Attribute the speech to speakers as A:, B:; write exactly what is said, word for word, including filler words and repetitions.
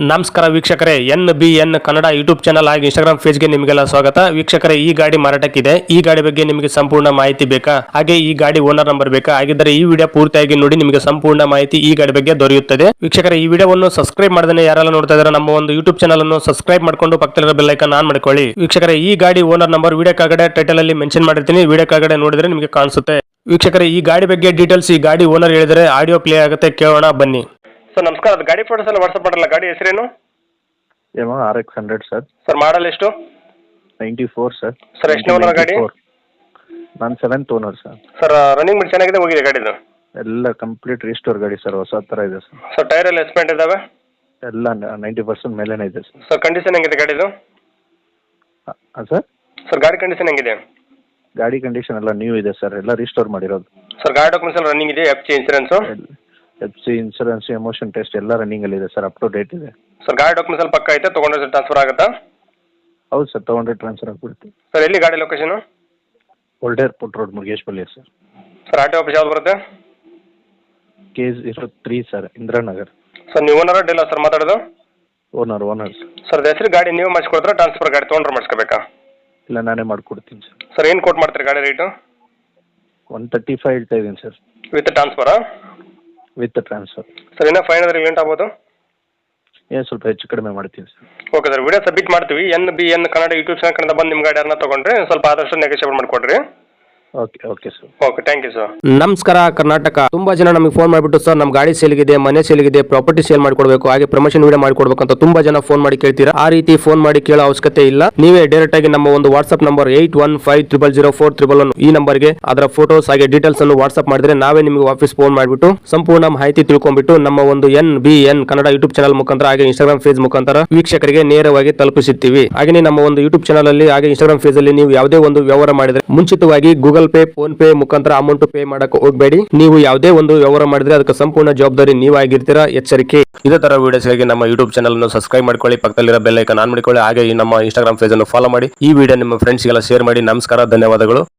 A: ನಮಸ್ಕಾರ ವೀಕ್ಷಕರೇ, N B N Kannada YouTube channel ಹಾಗೂ ಇನ್ಸ್ಟಾಗ್ರಾಮ್ ಪೇಜ್ಗೆ ನಿಮಗೆಲ್ಲ ಸ್ವಾಗತ. ವೀಕ್ಷಕರೇ, ಈ ಗಾಡಿ ಮಾರಾಟಕ್ಕಿದೆ. ಈ ಗಾಡಿ ಬಗ್ಗೆ ನಿಮಗೆ ಸಂಪೂರ್ಣ ಮಾಹಿತಿ ಬೇಕಾ, ಹಾಗೆ ಈ ಗಾಡಿ ಓನರ್ ನಂಬರ್ ಬೇಕಾ? ಹಾಗಿದ್ದರೆ ಈ ವಿಡಿಯೋ ಪೂರ್ತಿಯಾಗಿ ನೋಡಿ, ನಿಮಗೆ ಸಂಪೂರ್ಣ ಮಾಹಿತಿ ಈ ಗಾಡಿ ಬಗ್ಗೆ ದೊರೆಯುತ್ತದೆ. ವೀಕ್ಷಕರೇ, ಈ ವಿಡಿಯೋವನ್ನು ಸಬ್ಸ್ಕ್ರೈಬ್ ಮಾಡದೇ ಯಾರೆಲ್ಲ ನೋಡ್ತಾ ಇದ್ದಾರೆ ನಮ್ಮ ಒಂದು ಯೂಟ್ಯೂಬ್ ಚಾನಲ್ ಅನ್ನು ಸಬ್ಸ್ಕ್ರೈಬ್ ಮಾಡ್ಕೊಂಡು ಪಕ್ಕದಲ್ಲಿರೋ ಬೆಲ್ ಐಕಾನ್ ಆನ್ ಮಾಡ್ಕೊಳ್ಳಿ. ವೀಕ್ಷಕರೇ, ಈ ಗಾಡಿ ಓನರ್ ನಂಬರ್ ವಿಡಿಯೋ ಕೆಳಗಡೆ ಟೈಟಲ್ ಅಲ್ಲಿ ಮೆನ್ಷನ್ ಮಾಡಿರ್ತೀನಿ, ವಿಡಿಯೋ ಕೆಳಗಡೆ ನೋಡಿದ್ರೆ ನಿಮಗೆ ಕಾಣಿಸುತ್ತೆ. ವೀಕ್ಷಕರೇ, ಈ ಗಾಡಿ ಬಗ್ಗೆ ಡೀಟೇಲ್ಸ್ ಈ ಗಾಡಿ ಓನರ್ ಹೇಳಿದರೆ ಆಡಿಯೋ ಪ್ಲೇ ಆಗುತ್ತೆ, ಕೇಳೋಣ ಬನ್ನಿ. ಸರ್ ನಮಸ್ಕಾರ, ಅದು ಗಾಡಿ ಫೋಟೋಸ್ ಎಲ್ಲ ವಾಟ್ಸ್ಆಪ್ ಮಾಡಲ್ಲ. ಗಾಡಿ ಹೆಸರೇನು?
B: ಏನೋ R X hundred sir.
A: Sir model ಎಷ್ಟು?
B: Ninety four sir.
A: ಸರ್ ಎಷ್ಟು ಓನರ್ ಗಾಡಿ?
B: ನಾನು seventh owner sir.
A: Sir running ಬಿಟ್ಟು ಚೆನ್ನಾಗಿದೆ, ಹೋಗಿದೆ ಗಾಡಿದು?
B: ಎಲ್ಲ ಕಂಪ್ಲೀಟ್ ರಿಸ್ಟೋರ್ ಗಾಡಿ ಸರ್, ಹೊಸ ಥರ ಇದೆ ಸರ್.
A: ಸರ್ ಟೈರ್ ಎಲ್ಲ ಎಸ್ಪೆಂಟ್ ಇದಾವೆ?
B: ಎಲ್ಲ ನೈಂಟಿ ಪರ್ಸೆಂಟ್ ಮೇಲೇನೇ ಇದೆ ಸರ್.
A: ಸರ್ ಕಂಡೀಷನ್ ಹೆಂಗಿದೆ ಗಾಡಿದು?
B: ಹಾಂ ಸರ್.
A: ಸರ್ ಗಾಡಿ ಕಂಡೀಷನ್ ಹೆಂಗಿದೆ?
B: ಗಾಡಿ ಕಂಡೀಷನ್ ಎಲ್ಲ ನ್ಯೂ ಇದೆ ಸರ್, ಎಲ್ಲ ರಿಸ್ಟೋರ್ ಮಾಡಿರೋದು.
A: ಸರ್ ಗಾಡಿ ಡಾಕ್ಯುಮೆಂಟ್ಸ್ ಎಲ್ಲ ರನ್ನಿಂಗ್ ಇದೆ? F C insurance?
B: F C insurance, emission test ಎಲ್ಲ ರನ್ನಿಂಗಲ್ಲಿ ಇದೆ ಸರ್, ಅಪ್ ಟು ಡೇಟ್ ಇದೆ.
A: ಸರ್ ಗಾಡಿ ಡಾಕ್ಯುಮೆಂಟ್ಸ್ ಎಲ್ಲ ಪಕ್ಕ ಐತೆ, ತೊಗೊಂಡ್ರೆ ಟ್ರಾನ್ಸ್ಫರ್ ಆಗುತ್ತಾ?
B: ಹೌದು ಸರ್, ತೊಗೊಂಡ್ರೆ ಟ್ರಾನ್ಸ್ಫರ್ ಆಗಿಬಿಡುತ್ತೆ.
A: ಸರ್ ಎಲ್ಲಿ ಗಾಡಿ location?
B: Old airport road, Murugeshpalli sir.
A: Sir R T office ಯಾವ್ದು ಬರುತ್ತೆ?
B: K zero three sir, Indiranagar.
A: Sir ನೀವು ಓನರ್ ಡೀಲರ್ ಸರ್ ಮಾತಾಡೋದು?
B: Owner owner sir.
A: ಸರ್ ಹೆಸರು ಗಾಡಿ ನೀವು ಮಾಡಿಸ್ಕೊಡ್ತಾರೆ, ಟ್ರಾನ್ಸ್ಫರ್ ಗಾಡಿ ತೊಗೊಂಡ್ರೆ ಮಾಡಿಸ್ಕೋಬೇಕಾ?
B: ಇಲ್ಲ, ನಾನೇ ಮಾಡಿಕೊಡ್ತೀನಿ ಸರ್.
A: ಸರ್ ಏನು ಕೋಟ್ ಮಾಡ್ತೀರಿ ಗಾಡಿ ರೇಟು?
B: ಒನ್ ತರ್ಟಿ ಫೈವ್ ಹೇಳ್ತಾ ಇದ್ದೀನಿ ಸರ್.
A: ವಿತ್ ಟ್ರಾನ್ಸ್ಫರಾ?
B: With transfer.
A: ಸರ್ ಇನ್ನೂ ಫೈವ್ ಹಂಡ್ರೆಡ್ ಲೇಟ್ ಆಗ್ಬೋದು?
B: ಏನು ಸ್ವಲ್ಪ ಹೆಚ್ಚು ಕಡಿಮೆ ಮಾಡ್ತೀನಿ sir.
A: Okay sir, video submit ಮಾಡ್ತೀವಿ. N B N Kannada YouTube channel ಕಡೆಯಿಂದ ಬಂದು ನಿಮ್ಮ ಗಾಡಿ ಯಾರನ್ನ ತೊಗೊಂಡ್ರೆ ಸ್ವಲ್ಪ ಆದಷ್ಟು ನೆಗೋಷಿಯೇಟ್ ಮಾಡಿಕೊಡ್ರಿ.
B: Okay okay sir.
A: Okay, thank you sir.
C: ನಮಸ್ಕಾರ ಕರ್ನಾಟಕ. ತುಂಬಾ ಜನ ನಮಗೆ ಫೋನ್ ಮಾಡಿಬಿಟ್ಟು ಸರ್ ನಮ್ಮ ಗಾಡಿ ಸೇಲ್ಗಿದೆ, ಮನೆ ಸೇಲ್ಗಿದೆ, ಪ್ರಾಪರ್ಟಿ ಸೇಲ್ ಮಾಡ್ಕೊಡ್ಬೇಕು, ಹಾಗೆ ಪ್ರಮೋಷನ್ ವಿಡಿಯೋ ಮಾಡ್ಕೊಡ್ಬೇಕು ಅಂತ ತುಂಬಾ ಜನ ಫೋನ್ ಮಾಡಿ ಕೇಳ್ತೀರಾ. ಆ ರೀತಿ ಫೋನ್ ಮಾಡಿ ಕೇಳೋ ಅವಶ್ಯಕತೆ ಇಲ್ಲ. ನೀವೇ ಡೈರೆಕ್ಟ್ ಆಗಿ ನಮ್ಮ ಒಂದು WhatsApp number eight one five triple zero four triple one ಈ ನಂಬರ್ಗೆ ಅದರ ಫೋಟೋಸ್ ಹಾಗೆ ಡೀಟೇಲ್ಸ್ ಅನ್ನು ವಾಟ್ಸ್ಆಪ್ ಮಾಡಿದ್ರೆ ನಾವೇ ನಿಮಗೆ ವಾಪಸ್ ಫೋನ್ ಮಾಡಿಬಿಟ್ಟು ಸಂಪೂರ್ಣ ಮಾಹಿತಿ ತಿಳ್ಕೊಂಡ್ಬಿಟ್ಟು ನಮ್ಮ ಒಂದು N B N Kannada YouTube channel ಮುಖಾಂತರ ಹಾಗೆ ಇನ್ಸ್ಟಾಗ್ರಾಮ್ ಪೇಜ್ ಮುಖಾಂತರ ವೀಕ್ಷಕರಿಗೆ ನೇರವಾಗಿ ತಲುಪಿಸುತ್ತೀವಿ. ಹಾಗೆ ನಮ್ಮ ಒಂದು ಯೂಟ್ಯೂಬ್ ಚಾನಲ್ ಅಲ್ಲಿ ಹಾಗೆ ಇನ್ಸ್ಟಾಗ್ರಾಮ್ ಪೇಜ್ ಅಲ್ಲಿ ನೀವು ಯಾವುದೇ ಒಂದು ವ್ಯವಹಾರ ಮಾಡಿದ್ರೆ ಮುಂಚಿತವಾಗಿ ಗೂಗಲ್ ಪೇ, ಫೋನ್ ಪೇ ಮುಖಾಂತರ ಅಮೌಂಟ್ ಪೇ ಮಾಡಕ್ಕೆ ಹೋಗಬೇಡಿ. ನೀವು ಯಾವುದೇ ಒಂದು ವ್ಯವಹಾರ ಮಾಡಿದ್ರೆ ಅದಕ್ಕೆ ಸಂಪೂರ್ಣ ಜವಾಬ್ದಾರಿ ನೀವಾಗಿರ್ತೀರಾ, ಎಚ್ಚರಿಕೆ.
A: ಇದೇ ತರ ವಿಡಿಯೋಸ್ಗಾಗಿ ನಮ್ಮ ಯೂಟ್ಯೂಬ್ ಚಾನಲ್ ಅನ್ನು ಸಬ್ಸ್ಕ್ರೈಬ್ ಮಾಡ್ಕೊಳ್ಳಿ, ಪಕ್ಕದಲ್ಲಿರೋ ಬೆಲ್ ಐಕಾನ್ ಆನ್ ಮಾಡಿಕೊಳ್ಳಿ, ಹಾಗೆ ಈ ನಮ್ಮ ಇನ್ಸ್ಟಾಗ್ರಾಮ್ ಪೇಜ್ ಅನ್ನು ಫಾಲೋ ಮಾಡಿ. ಈ ವಿಡಿಯೋ ನಿಮ್ಮ ಫ್ರೆಂಡ್ಸ್ಗೆಲ್ಲ ಶೇರ್ ಮಾಡಿ. ನಮಸ್ಕಾರ, ಧನ್ಯವಾದಗಳು.